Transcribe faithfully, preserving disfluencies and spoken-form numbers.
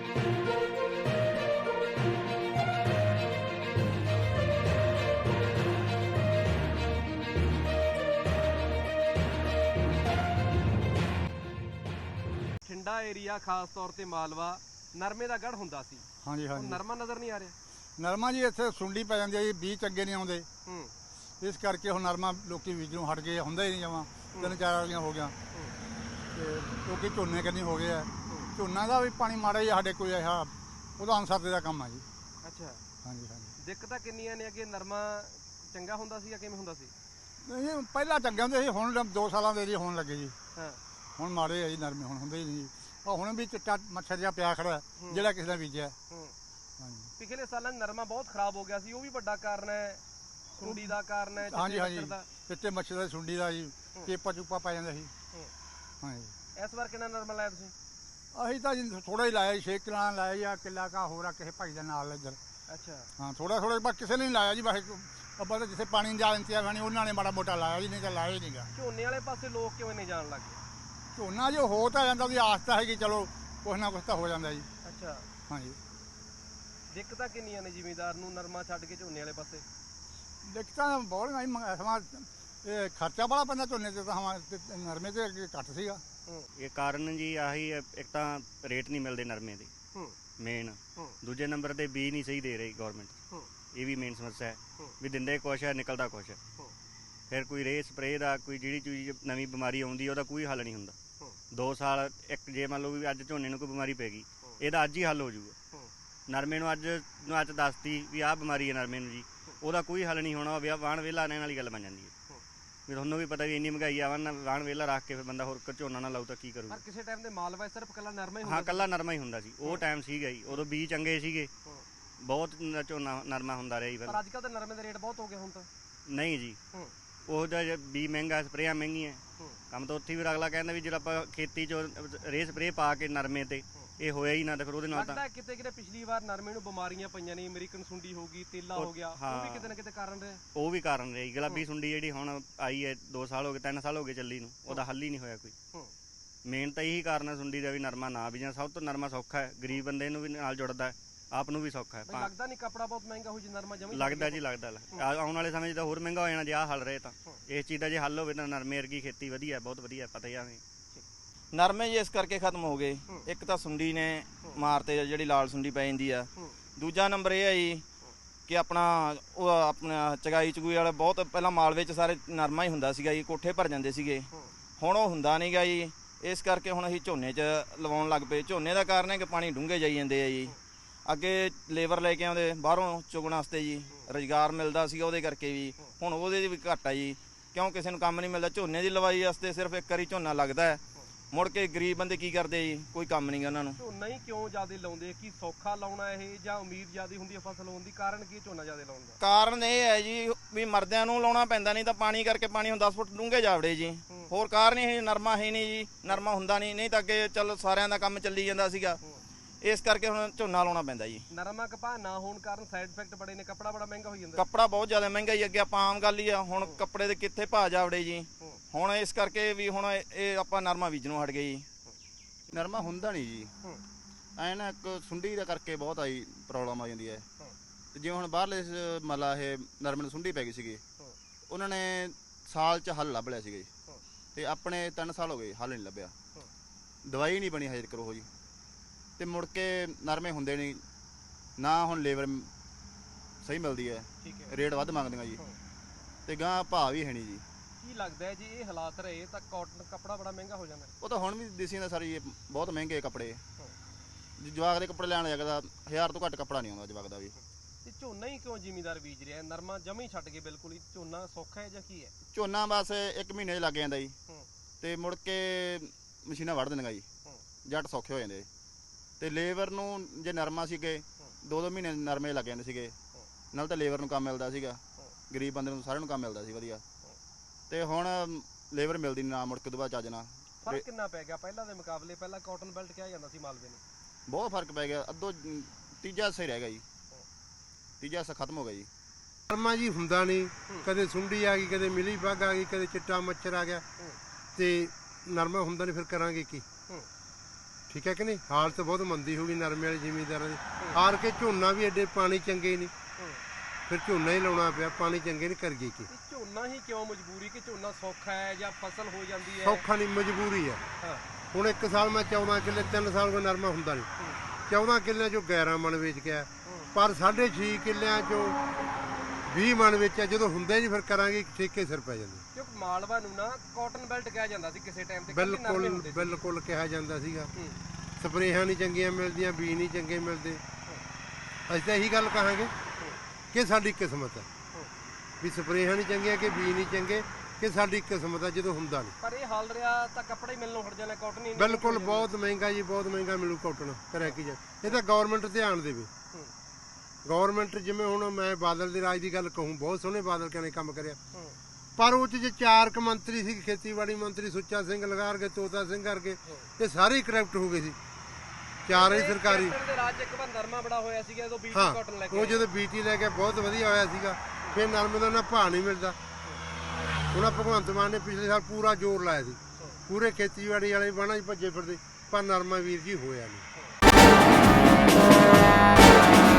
ठंडा एरिया खास तौर ते मालवा नरमे का गढ़ हुंदा सी। हाँ जी हाँ जी। नरमा नज़र नहीं आ रहा। नरमा जी इत्थे सुंडी पै जांदी है जी, बीज चंगे नहीं आउंदे, इस करके हुण नरमा लोकी बीजों हट गए, हुंदा ही नहीं जमां। तीन चार वालियां हो गया ते लोकी झोने कन्नी हो गए। झोना का भी पानी माड़ा ही साडे कोई इहा ਉਹਦਾ ਅਨਸਰਦੇ ਦਾ ਕੰਮ ਆ ਜੀ। ਅੱਛਾ ਹਾਂਜੀ ਹਾਂਜੀ। ਦਿੱਕਤਾਂ ਕਿੰਨੀਆਂ ਨੇ ਕਿ ਨਰਮਾ ਚੰਗਾ ਹੁੰਦਾ ਸੀ ਜਾਂ ਕਿਵੇਂ ਹੁੰਦਾ ਸੀ? ਨਹੀਂ ਪਹਿਲਾਂ ਚੰਗੇ ਹੁੰਦੇ ਸੀ, ਹੁਣ ਦੋ ਸਾਲਾਂ ਦੇ ਜੀ ਹੋਣ ਲੱਗੇ ਜੀ। ਹਾਂ ਹੁਣ ਮਾੜੇ ਆ ਜੀ ਨਰਮੇ, ਹੁਣ ਹੁੰਦੇ ਹੀ ਨਹੀਂ ਜੀ। ਉਹ ਹੁਣ ਵੀ ਚਿੱਟਾ ਮੱਛਰ ਜਿਹਾ ਪਿਆ ਖੜਾ ਜਿਹੜਾ ਕਿਸੇ ਨੇ ਬੀਜਿਆ। ਹਾਂਜੀ ਪਿਛਲੇ ਸਾਲਾਂ ਨਰਮਾ ਬਹੁਤ ਖਰਾਬ ਹੋ ਗਿਆ ਸੀ, ਉਹ ਵੀ ਵੱਡਾ ਕਾਰਨ ਹੈ, ਸੁੰਡੀ ਦਾ ਕਾਰਨ ਹੈ। ਹਾਂਜੀ ਹਾਂਜੀ, ਚਿੱਟੇ ਮੱਛਰ ਦਾ ਸੁੰਡੀ ਦਾ ਜੀ ਚੇਪਾ ਚੂਪਾ ਪੈ ਜਾਂਦਾ ਸੀ। ਹਾਂਜੀ। ਇਸ ਵਾਰ ਕਿੰਨਾ ਨਰਮਾ ਲਾਇਆ ਤੁਸੀਂ? ਅਸੀਂ ਤਾਂ ਜੀ ਥੋੜਾ ਹੀ ਲਾਇਆ ਜੀ, ਛੇ ਕਿੱਲਾ ਲਾਇਆ ਜਾਂ ਕਿੱਲਾ ਕਾ ਹੋਰ ਆ ਕਿਸੇ ਭਾਈ ਦੇ ਨਾਲ ਇੱਧਰ। ਅੱਛਾ ਹਾਂ ਥੋੜਾ ਥੋੜਾ ਬਸ ਕਿਸੇ ਨੇ ਨਹੀਂ ਲਾਇਆ ਜੀ, ਬਸ ਅੱਬਾ ਤਾਂ ਜਿੱਥੇ ਪਾਣੀ ਦਾ ਇੰਤਜ਼ਾਮ ਨਹੀਂ ਉਹਨਾਂ ਨੇ ਮਾੜਾ ਮੋਟਾ ਲਾਇਆ ਜੀ, ਨਹੀਂ ਤਾਂ ਲਾਇਆ ਹੀ ਨਹੀਂਗਾ। ਝੋਨੇ ਵਾਲੇ ਪਾਸੇ ਲੋਕ ਕਿਉਂ ਨਹੀਂ ਜਾਣ ਲੱਗੇ? ਝੋਨਾ ਜੋ ਹੋ ਤਾਂ ਜਾਂਦਾ, ਉਹਦੀ ਆਸ ਤਾਂ ਹੈਗੀ ਚਲੋ ਕੁਛ ਨਾ ਕੁਛ ਤਾਂ ਹੋ ਜਾਂਦਾ ਜੀ। ਅੱਛਾ ਹਾਂਜੀ। ਦਿੱਕਤਾਂ ਕਿੰਨੀਆਂ ਨੇ ਜ਼ਿਮੀਂਦਾਰ ਨੂੰ ਨਰਮਾ ਛੱਡ ਕੇ ਝੋਨੇ ਵਾਲੇ ਪਾਸੇ? ਦਿੱਕਤਾਂ ਬਹੁਤ ਜੀ, ਸਮਾਂ ਇਹ ਖਰਚਾ ਬੜਾ ਪੈਂਦਾ ਝੋਨੇ 'ਤੇ, ਤਾਂ ਨਰਮੇ 'ਤੇ ਘੱਟ ਸੀਗਾ। ਇਹ ਕਾਰਨ ਜੀ ਆਹੀ ਇੱਕ ਤਾਂ ਰੇਟ ਨਹੀਂ ਮਿਲਦੇ ਨਰਮੇ ਦੇ ਮੇਨ, ਦੂਜੇ ਨੰਬਰ ਤੇ ਬੀਜ ਨਹੀਂ ਸਹੀ ਦੇ ਰਹੀ ਗੌਰਮੈਂਟ, ਇਹ ਵੀ ਮੇਨ ਸਮੱਸਿਆ ਹੈ ਵੀ ਦਿੰਦੇ ਕੁਛ ਹੈ ਨਿਕਲਦਾ ਕੁਛ ਹੈ। ਫਿਰ ਕੋਈ ਰੇ ਸਪਰੇਅ ਦਾ ਕੋਈ ਜਿਹੜੀ ਚੀਜ਼ ਨਵੀਂ ਬਿਮਾਰੀ ਆਉਂਦੀ ਉਹਦਾ ਕੋਈ ਹੱਲ ਨਹੀਂ ਹੁੰਦਾ। ਦੋ ਸਾਲ ਇੱਕ ਜੇ ਮੰਨ ਲਓ ਵੀ ਅੱਜ ਝੋਨੇ ਨੂੰ ਕੋਈ ਬਿਮਾਰੀ ਪੈ ਗਈ, ਇਹਦਾ ਅੱਜ ਹੀ ਹੱਲ ਹੋ ਜਾਊਗਾ। ਨਰਮੇ ਨੂੰ ਅੱਜ ਨੂੰ ਅੱਜ ਦੱਸਤੀ ਵੀ ਆਹ ਬਿਮਾਰੀ ਹੈ ਨਰਮੇ ਨੂੰ ਜੀ, ਉਹਦਾ ਕੋਈ ਹੱਲ ਨਹੀਂ ਹੋਣਾ, ਵਾਹਣ ਵਿਹਲਾ ਰਹਿਣ ਵਾਲੀ ਗੱਲ ਬਣ ਜਾਂਦੀ ਹੈ। ਵੀ ਤੁਹਾਨੂੰ ਵੀ ਪਤਾ ਵੀ ਇੰਨੀ ਮਹਿੰਗਾਈ ਆ, ਵਾਹਣ ਵਿਹਲਾ ਰੱਖ ਕੇ ਫਿਰ ਬੰਦਾ ਹੋਰ ਝੋਨਾ ਨਾ ਲਾਊ ਤਾਂ ਕੀ ਕਰੂਗਾ। ਪਰ ਕਿਸੇ ਟਾਈਮ ਤੇ ਮਾਲਵਾ ਸਿਰਫ ਕੱਲਾ ਨਰਮਾ ਹੀ ਹੁੰਦਾ? ਹਾਂ ਕੱਲਾ ਨਰਮਾ ਹੀ ਹੁੰਦਾ ਸੀ, ਉਹ ਟਾਈਮ ਸੀਗਾ ਜੀ, ਉਦੋਂ ਬੀਜ ਚੰਗੇ ਸੀਗੇ, ਬਹੁਤ ਝੋਨਾ ਨਰਮਾ ਹੁੰਦਾ ਰਿਹਾ ਜੀ। ਪਰ ਅੱਜ ਕੱਲ੍ਹ ਤਾਂ ਨਰਮੇ ਦਾ ਰੇਟ ਬਹੁਤ ਹੋ ਗਿਆ ਹੁਣ ਤਾਂ। ਨਹੀਂ ਜੀ, ਉਹਦਾ ਬੀਜ ਮਹਿੰਗਾ, ਸਪਰੇਆਂ ਮਹਿੰਗੀਆਂ, ਕੰਮ ਤਾਂ ਉੱਥੇ ਵੀ ਅਗਲਾ ਕਹਿੰਦਾ ਵੀ ਜਿਹੜਾ ਆਪਾਂ ਖੇਤੀ 'ਚ ਰੇ ਸਪਰੇਅ ਪਾ ਕੇ ਨਰਮੇ ਤੇ ਇਹ ਹੋਇਆ ਹੀ ਨਾ, ਤਾਂ ਫਿਰ ਉਹਦੇ ਨਾਲ ਤਾਂ ਕਿਤੇ ਕਿਤੇ ਪਿਛਲੀ ਵਾਰ ਨਰਮੇ ਨੂੰ ਬਿਮਾਰੀਆਂ ਪਈਆਂ ਨੇ, ਅਮਰੀਕਨ ਸੁੰਡੀ ਹੋ ਗਈ, ਤੇਲਾ ਹੋ ਗਿਆ, ਉਹ ਵੀ ਕਿਤੇ ਨਾ ਕਿਤੇ ਕਾਰਨ ਰਿਹਾ। ਉਹ ਵੀ ਕਾਰਨ ਰਿਹਾ ਜੀ। ਗੁਲਾਬੀ ਸੁੰਡੀ ਜਿਹੜੀ ਹੁਣ ਆਈ ਹੈ, ਦੋ ਸਾਲ ਹੋ ਗਏ, ਤਿੰਨ ਸਾਲ ਹੋ ਗਏ ਚੱਲੀ ਨੂੰ, ਉਹਦਾ ਹੱਲ ਹੀ ਨਹੀਂ ਹੋਇਆ ਕੋਈ। ਮੇਨ ਤਾਂ ਇਹੀ ਕਾਰਨ ਹੈ ਸੁੰਡੀ ਦਾ ਵੀ, ਨਰਮਾ ਨਾ ਬੀਜਣਾ। ਸਭ ਤੋਂ ਨਰਮਾ ਸੌਖਾ ਹੈ, ਗਰੀਬ ਬੰਦੇ ਨੂੰ ਵੀ ਨਾਲ ਜੁੜਦਾ, ਆਪ ਨੂੰ ਵੀ ਸੌਖਾ ਹੈ। ਲੱਗਦਾ ਨਹੀਂ ਕੱਪੜਾ ਬਹੁਤ ਮਹਿੰਗਾ ਹੋ ਜੇ ਨਰਮਾ ਜਮੀ? ਲੱਗਦਾ ਜੀ, ਲੱਗਦਾ। ਆਉਣ ਵਾਲੇ ਸਮੇਂ 'ਚ ਤਾਂ ਹੋਰ ਮਹਿੰਗਾ ਹੋ ਜਾਣਾ ਜੇ ਆਹ ਹੱਲ ਰਹੇ ਤਾਂ। ਇਸ ਚੀਜ਼ ਦਾ ਜੇ ਹੱਲ ਹੋਵੇ ਤਾਂ ਨਰਮੇ ਵਰਗੀ ਖੇਤੀ ਵਧੀਆ, ਬਹੁਤ ਵਧੀਆ। ਪਤਾ ਹੀ ਆ ਨਰਮੇ ਜੀ ਇਸ ਕਰਕੇ ਖਤਮ ਹੋ ਗਏ, ਇੱਕ ਤਾਂ ਸੁੰਡੀ ਨੇ ਮਾਰਤੇ ਜਿਹੜੀ ਲਾਲ ਸੁੰਡੀ ਪੈ ਜਾਂਦੀ ਆ, ਦੂਜਾ ਨੰਬਰ ਇਹ ਹੈ ਜੀ ਕਿ ਆਪਣਾ ਉਹ ਆਪਣਾ ਚਗਾਈ ਚਗੂਈ ਵਾਲਾ ਬਹੁਤ ਪਹਿਲਾਂ ਮਾਲਵੇ 'ਚ ਸਾਰੇ ਨਰਮਾ ਹੀ ਹੁੰਦਾ ਸੀਗਾ ਜੀ, ਕੋਠੇ ਭਰ ਜਾਂਦੇ ਸੀਗੇ, ਹੁਣ ਉਹ ਹੁੰਦਾ ਨਹੀਂ ਗਾ ਜੀ। ਇਸ ਕਰਕੇ ਹੁਣ ਅਸੀਂ ਝੋਨੇ 'ਚ ਲਵਾਉਣ ਲੱਗ ਪਏ। ਝੋਨੇ ਦਾ ਕਾਰਨ ਹੈ ਕਿ ਪਾਣੀ ਡੂੰਘੇ ਜਾਈ ਜਾਂਦੇ ਆ ਜੀ। ਅੱਗੇ ਲੇਬਰ ਲੈ ਕੇ ਆਉਂਦੇ ਬਾਹਰੋਂ ਚੁਗਣ ਵਾਸਤੇ ਜੀ, ਰੁਜ਼ਗਾਰ ਮਿਲਦਾ ਸੀਗਾ ਉਹਦੇ ਕਰਕੇ ਵੀ, ਹੁਣ ਉਹਦੇ ਵੀ ਘੱਟ ਆ ਜੀ, ਕਿਉਂ ਕਿਸੇ ਨੂੰ ਕੰਮ ਨਹੀਂ ਮਿਲਦਾ। ਝੋਨੇ ਦੀ ਲਵਾਈ ਵਾਸਤੇ ਸਿਰਫ ਇੱਕ ਵਾਰੀ ਝੋਨਾ ਲੱਗਦਾ ਹੈ, ਮੁੜ ਕੇ ਗਰੀਬ ਬੰਦੇ ਕੀ ਕਰਦੇ ਜੀ, ਕੋਈ ਕੰਮ ਨਹੀਂ ਗਾ ਉਹਨਾਂ ਨੂੰ। ਝੋਨਾ ਹੀ ਕਿਉਂ ਜ਼ਿਆਦਾ ਲਾਉਂਦੇ? ਕੀ ਸੌਖਾ ਲਾਉਣਾ ਇਹ ਜਾਂ ਉਮੀਦ ਜ਼ਿਆਦਾ ਹੁੰਦੀ ਹੈ ਫਸਲ ਹੋਣ ਦੀ? ਕਾਰਨ ਕੀ ਝੋਨਾ ਜ਼ਿਆਦਾ ਲਾਉਣ ਦਾ? ਕਾਰਨ ਇਹ ਹੈ ਜੀ ਵੀ ਮਰਦਿਆਂ ਨੂੰ ਲਾਉਣਾ ਪੈਂਦਾ, ਨਹੀਂ ਤਾਂ ਪਾਣੀ ਕਰਕੇ ਪਾਣੀ ਹੁਣ ਦਸ ਫੁੱਟ ਡੂੰਘੇ ਜਾਵੜੇ ਜੀ। ਹੋਰ ਕਾਰਨ ਇਹ ਨਰਮਾ ਹੈ ਨਹੀਂ ਜੀ, ਨਰਮਾ ਹੁੰਦਾ ਨਹੀਂ, ਨਹੀਂ ਤਾਂ ਅੱਗੇ ਚੱਲ ਸਾਰਿਆਂ ਦਾ ਕੰਮ ਚੱਲੀ ਜਾਂਦਾ ਸੀਗਾ। ਇਸ ਕਰਕੇ ਹੁਣ ਝੋਨਾ ਲਾਉਣਾ ਪੈਂਦਾ ਜੀ। ਨਰਮਾ ਕਪਾਹ ਨਾ ਹੋਣ ਕਾਰਨ ਸਾਈਡ ਇਫੈਕਟ ਬੜੇ ਨੇ, ਕੱਪੜਾ ਬੜਾ ਮਹਿੰਗਾ ਹੋ ਜਾਂਦਾ। ਕੱਪੜਾ ਬਹੁਤ ਜ਼ਿਆਦਾ ਮਹਿੰਗਾ ਹੀ, ਅੱਗੇ ਆਪਾਂ ਆਮ ਗੱਲ ਹੀ ਆ, ਹੁਣ ਕੱਪੜੇ ਦੇ ਕਿੱਥੇ ਭਾਅ ਜਾਵੜੇ ਜੀ। ਹੁਣ ਇਸ ਕਰਕੇ ਵੀ ਹੁਣ ਇਹ ਆਪਾਂ ਨਰਮਾ ਬੀਜਣੋਂ ਹਟ ਗਏ ਜੀ। ਨਰਮਾ ਹੁੰਦਾ ਨਹੀਂ ਜੀ, ਐ ਨਾ ਇੱਕ ਸੁੰਡੀ ਦਾ ਕਰਕੇ ਬਹੁਤ ਆਈ ਪ੍ਰੋਬਲਮ ਆ ਜਾਂਦੀ ਹੈ। ਤੇ ਜਿਵੇਂ ਹੁਣ ਬਾਹਰਲੇ ਮਤਲਬ ਇਹ ਨਰਮੇ ਨੂੰ ਸੁੰਡੀ ਪੈ ਗਈ ਸੀਗੀ, ਉਹਨਾਂ ਨੇ ਸਾਲ 'ਚ ਹੱਲ ਲੱਭ ਲਿਆ ਸੀਗਾ ਜੀ, ਤੇ ਆਪਣੇ ਤਿੰਨ ਸਾਲ ਹੋ ਗਏ ਹੱਲ ਨਹੀਂ ਲੱਭਿਆ, ਦਵਾਈ ਨਹੀਂ ਬਣੀ ਹਜੇ ਤੱਕ ਉਹ ਜੀ। ਤੇ ਮੁੜ ਕੇ ਨਰਮੇ ਹੁੰਦੇ ਨਹੀਂ ਨਾ, ਹੁਣ ਲੇਬਰ ਸਹੀ ਮਿਲਦੀ ਹੈ, ਰੇਟ ਵੱਧ ਮੰਗਦੀਆਂ ਜੀ, ਤੇ ਗਾਂ ਭਾਅ ਵੀ ਹੈ ਨਹੀਂ ਜੀ। ਕੀ ਲੱਗਦਾ ਹੈ ਜੀ ਇਹ ਹਾਲਾਤ ਰਹੇ ਤਾਂ ਕਾਟਨ ਕੱਪੜਾ ਬੜਾ ਮਹਿੰਗਾ ਹੋ ਜਾਣਾ? ਉਹ ਤਾਂ ਹੁਣ ਵੀ ਦੇਸੀ ਦਾ ਸਾਰੀ ਬਹੁਤ ਮਹਿੰਗੇ ਕੱਪੜੇ, ਜਵਾਕ ਦੇ ਕੱਪੜੇ ਲੈਣ ਲੱਗਦਾ ਹਜ਼ਾਰ ਤੋਂ ਘੱਟ ਕੱਪੜਾ ਨਹੀਂ ਆਉਂਦਾ ਜਵਾਕ ਦਾ ਵੀ। ਤੇ ਝੋਨਾ ਹੀ ਕਿਉਂ ਜ਼ਿਮੀਂਦਾਰ ਬੀਜ ਰਿਹਾ? ਨਰਮਾ ਜਮੀ ਛੱਡ ਕੇ ਬਿਲਕੁਲ ਹੀ ਝੋਨਾ ਸੌਖਾ ਹੈ ਜਾਂ ਕੀ ਹੈ? ਝੋਨਾ ਬਸ ਇੱਕ ਮਹੀਨੇ 'ਚ ਲੱਗ ਜਾਂਦਾ ਜੀ, ਤੇ ਮੁੜ ਕੇ ਮਸ਼ੀਨਾਂ ਵੱਢ ਦਿੰਦੀਆਂ ਜੀ, ਜੱਟ ਸੌਖੇ ਹੋ ਜਾਂਦੇ। ਤੇ ਲੇਬਰ ਨੂੰ ਜੇ ਨਰਮਾ ਸੀਗੇ ਦੋ ਦੋ ਮਹੀਨੇ ਨਰਮੇ ਲੱਗ ਜਾਂਦੇ ਸੀਗੇ, ਨਾਲ ਤਾਂ ਲੇਬਰ ਨੂੰ ਕੰਮ ਮਿਲਦਾ ਸੀਗਾ, ਗਰੀਬ ਬੰਦੇ ਨੂੰ ਸਾਰਿਆਂ ਨੂੰ ਕੰਮ ਮਿਲਦਾ ਸੀ ਵਧੀਆ। ਤੇ ਹੁਣ ਲੇਬਰ ਮਿਲਦੀ ਨਹੀਂ ਨਾ, ਮੁੜ ਕੇ ਤੋਂ ਬਾਅਦ ਚੱਜ ਨਾਲ। ਫਰਕ ਕਿੰਨਾ ਪੈ ਗਿਆ ਪਹਿਲਾਂ ਦੇ ਮੁਕਾਬਲੇ? ਪਹਿਲਾਂ ਕਾਟਨ ਬੈਲਟ ਕਿਹਾ ਜਾਂਦਾ ਸੀ ਮਾਲਵੇ ਨੂੰ, ਬਹੁਤ ਫਰਕ ਪੈ ਗਿਆ, ਅੱਧੋ ਤੀਜਾ ਹਿੱਸਾ ਹੀ ਰਹਿ ਗਿਆ ਜੀ, ਤੀਜਾ ਹਿੱਸਾ ਖਤਮ ਹੋ ਗਿਆ ਜੀ। ਨਰਮਾ ਜੀ ਹੁੰਦਾ ਨਹੀਂ, ਕਦੇ ਸੁੰਡੀ ਆ ਗਈ, ਕਦੇ ਮਿਲੀ ਬੱਗ ਆ ਗਈ, ਕਦੇ ਚਿੱਟਾ ਮੱਛਰ ਆ ਗਿਆ, ਤੇ ਨਰਮਾ ਹੁੰਦਾ ਨਹੀਂ, ਫਿਰ ਕਰਾਂਗੇ ਕੀ? ਠੀਕ ਹੈ ਕਿ ਨਹੀਂ, ਹਾਲਤ ਬਹੁਤ ਮੰਦੀ ਹੋ ਗਈ ਨਰਮੇ ਵਾਲੇ ਜ਼ਿਮੀਂਦਾਰਾਂ ਦੀ। ਹਾਰ ਕੇ ਝੋਨਾ ਵੀ ਐਡੇ ਪਾਣੀ ਚੰਗੇ ਨਹੀਂ, ਫਿਰ ਝੋਨਾ ਹੀ ਲਾਉਣਾ ਪਿਆ, ਪਾਣੀ ਚੰਗੇ ਨਹੀਂ ਕਰ ਗਈ। ਕੀ ਝੋਨਾ ਹੀ ਕਿਉਂ ਮਜਬੂਰੀ ਕਿ ਝੋਨਾ ਸੌਖਾ ਹੈ ਜਾਂ ਫਸਲ ਹੋ ਜਾਂਦੀ ਹੈ? ਸੌਖਾ ਨਹੀਂ, ਮਜਬੂਰੀ ਹੈ। ਹੁਣ ਇੱਕ ਸਾਲ ਮੈਂ ਚੌਦਾਂ ਕਿੱਲੇ, ਤਿੰਨ ਸਾਲ ਕੋਈ ਨਰਮਾ ਹੁੰਦਾ ਨਹੀਂ, ਚੌਦਾਂ ਕਿੱਲਿਆਂ ਚੋਂ ਗਿਆਰਾਂ ਮਣ ਵੇਚ ਗਿਆ, ਪਰ ਸਾਢੇ ਛੇ ਕਿੱਲਿਆਂ ਚੋਂ ਵੀਹ ਮਣ ਵੇਚਿਆ। ਜਦੋਂ ਹੁੰਦਾ ਹੀ ਨਹੀਂ ਫਿਰ ਕਰਾਂਗੇ, ਠੇਕੇ ਸਿਰ ਪੈ ਜਾਂਦੇ। ਕਿਉਂਕਿ ਮਾਲਵਾ ਨੂੰ ਨਾ ਕਾਟਨ ਬੈਲਟ ਕਿਹਾ ਜਾਂਦਾ ਸੀ ਕਿਸੇ ਟਾਈਮ ਤੇ। ਬਿਲਕੁਲ ਬਿਲਕੁਲ ਕਿਹਾ ਜਾਂਦਾ ਸੀਗਾ। ਸਪਰੇਹਾਂ ਨਹੀਂ ਚੰਗੀਆਂ ਮਿਲਦੀਆਂ, ਬੀਜ ਨਹੀਂ ਚੰਗੇ ਮਿਲਦੇ। ਅਸੀਂ ਤਾਂ ਇਹੀ ਗੱਲ ਕਹਾਂਗੇ ਕਿ ਸਾਡੀ ਕਿਸਮਤ ਹੈ ਵੀ ਸਪਰੇਹਾਂ ਨਹੀਂ ਚੰਗੀਆਂ ਕਿ ਬੀਜ ਨਹੀਂ ਚੰਗੇ, ਕਿ ਸਾਡੀ ਕਿਸਮਤ ਹੈ ਜਦੋਂ ਹੁੰਦਾ ਨਹੀਂ। ਪਰ ਇਹ ਹਾਲ ਰਿਹਾ ਤਾਂ ਕੱਪੜਾ ਹੀ ਮਿਲਣੋਂ ਹਟ ਜਾਣਾ, ਕਾਟਨ ਹੀ। ਬਿਲਕੁਲ ਬਹੁਤ ਮਹਿੰਗਾ ਜੀ, ਬਹੁਤ ਮਹਿੰਗਾ ਮਿਲੂ ਕਾਟਨ। ਕਰਿਆ ਕੀ ਜਾ, ਇਹ ਤਾਂ ਗਵਰਨਮੈਂਟ ਧਿਆਨ ਦੇਵੇ। ਗਵਰਨਮੈਂਟ ਜਿਵੇਂ ਹੁਣ ਮੈਂ ਬਾਦਲ ਦੇ ਰਾਜ ਦੀ ਗੱਲ ਕਹੂੰ, ਬਹੁਤ ਸੋਹਣੇ ਬਾਦਲ ਕਹਿੰਦੇ ਕੰਮ ਕਰਿਆ, ਪਰ ਉਹ 'ਚ ਜੇ ਚਾਰ ਕੁ ਮੰਤਰੀ ਸੀ, ਖੇਤੀਬਾੜੀ ਮੰਤਰੀ ਸੁੱਚਾ ਸਿੰਘ ਲਗਾਰ ਕੇ, ਤੋਤਾ ਸਿੰਘ ਕਰਕੇ, ਇਹ ਸਾਰੇ ਹੀ ਕਰਪਟ ਹੋ ਗਏ ਸੀ, ਚਾਰ ਹੀ ਸਰਕਾਰੀ। ਹਾਂ, ਉਹ ਜਦੋਂ ਬੀਟੀ ਲੈ ਕੇ ਬਹੁਤ ਵਧੀਆ ਹੋਇਆ ਸੀਗਾ, ਫਿਰ ਨਰਮੇ ਦਾ ਨਾ ਭਾਅ ਨਹੀਂ ਮਿਲਦਾ। ਹੁਣ ਭਗਵੰਤ ਮਾਨ ਨੇ ਪਿਛਲੇ ਸਾਲ ਪੂਰਾ ਜ਼ੋਰ ਲਾਇਆ ਸੀ, ਪੂਰੇ ਖੇਤੀਬਾੜੀ ਵਾਲੇ ਬਾਣਾ 'ਚ ਭੱਜੇ ਫਿਰਦੇ, ਪਰ ਨਰਮਾ ਵੀਰ ਜੀ ਹੋਇਆ ਨਹੀਂ।